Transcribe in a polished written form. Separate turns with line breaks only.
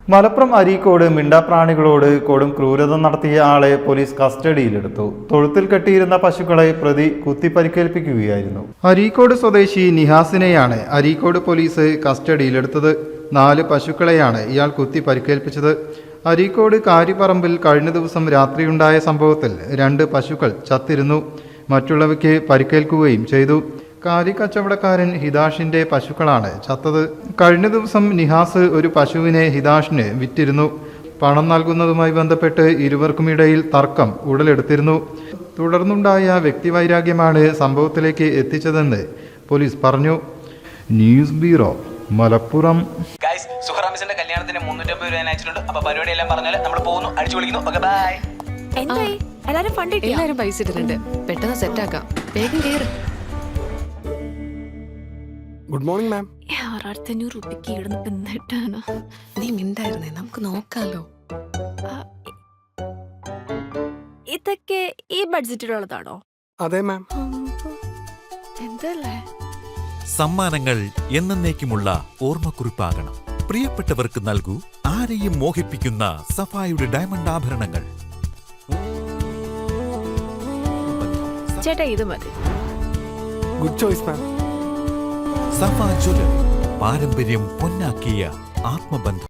മലപ്പുറം അരീക്കോട് മിണ്ടാപ്രാണികളോട് കൊടും ക്രൂരത നടത്തിയ ആളെ പോലീസ് കസ്റ്റഡിയിലെടുത്തു. തൊഴുത്തിൽ കെട്ടിയിരുന്ന പശുക്കളെ പ്രതി കുത്തി പരിക്കേൽപ്പിക്കുകയായിരുന്നു. അരീക്കോട് സ്വദേശി നിഹാസിനെയാണ് അരീക്കോട് പോലീസ് കസ്റ്റഡിയിലെടുത്തത്. 4 പശുക്കളെയാണ് ഇയാൾ കുത്തി പരിക്കേൽപ്പിച്ചത്. അരീക്കോട് കാരിപ്പറമ്പിൽ കഴിഞ്ഞ ദിവസം രാത്രിയുണ്ടായ സംഭവത്തിൽ 2 പശുക്കൾ ചത്തിരുന്നു. മറ്റുള്ളവയ്ക്ക് പരിക്കേൽക്കുകയും ചെയ്തു. കാലി കച്ചവടക്കാരൻ ഹിദാഷിന്റെ പശുക്കളാണ് ചത്തത്. കഴിഞ്ഞ ദിവസം നിഹാസ് ഒരു പശുവിനെ ഹിദാഷിന് വിറ്റിരുന്നു. പണം നൽകുന്നതുമായി ബന്ധപ്പെട്ട് ഇരുവർക്കുമിടയിൽ തർക്കം ഉടലെടുത്തിരുന്നു. തുടർന്നുണ്ടായ വ്യക്തിവൈരാഗ്യമാണ് സംഭവത്തിലേക്ക് എത്തിച്ചതെന്ന് പോലീസ് പറഞ്ഞു. News bureau, Malappuram.
സുഹറാമിസിന്റെ കല്യാണത്തിന് 350 രൂപ അയച്ചിട്ടുണ്ട്. അപ്പൊ പരിപാടി എല്ലാം പറഞ്ഞാൽ നമ്മൾ പോകുന്നു, അടിച്ചു വിളിക്കുന്നു. Okay, bye.
എല്ലാരും പൈസ ഇട്ടിട്ടുണ്ട്. പെട്ടെന്ന് സെറ്റ് ആക്കാം. വേഗം കേറ്.
Good morning ma'am.
6,500 രൂപയ്ക്ക് ഇടുന്നിട്ടാണ്.
നീ മിണ്ടായിരുന്നേ, നമുക്ക് നോക്കാലോ.
ഇതൊക്കെ ഈ ബഡ്ജറ്റിലുള്ളതാണോ?
അതെ മാം.
എന്തല്ലേ
സമ്മാനങ്ങൾ എന്നേക്കുമുള്ള ഓർമ്മക്കുറിപ്പാകണം. പ്രിയപ്പെട്ടവർക്ക് നൽകൂ ആരെയും മോഹിപ്പിക്കുന്ന സഫായുടെ ഡയമണ്ട് ആഭരണങ്ങൾ.
ചേട്ടാ, ഇത് മതി.
Good choice ma'am.
Safa jewellery, പാരമ്പര്യം പൊന്നാക്കിയ ആത്മബന്ധം.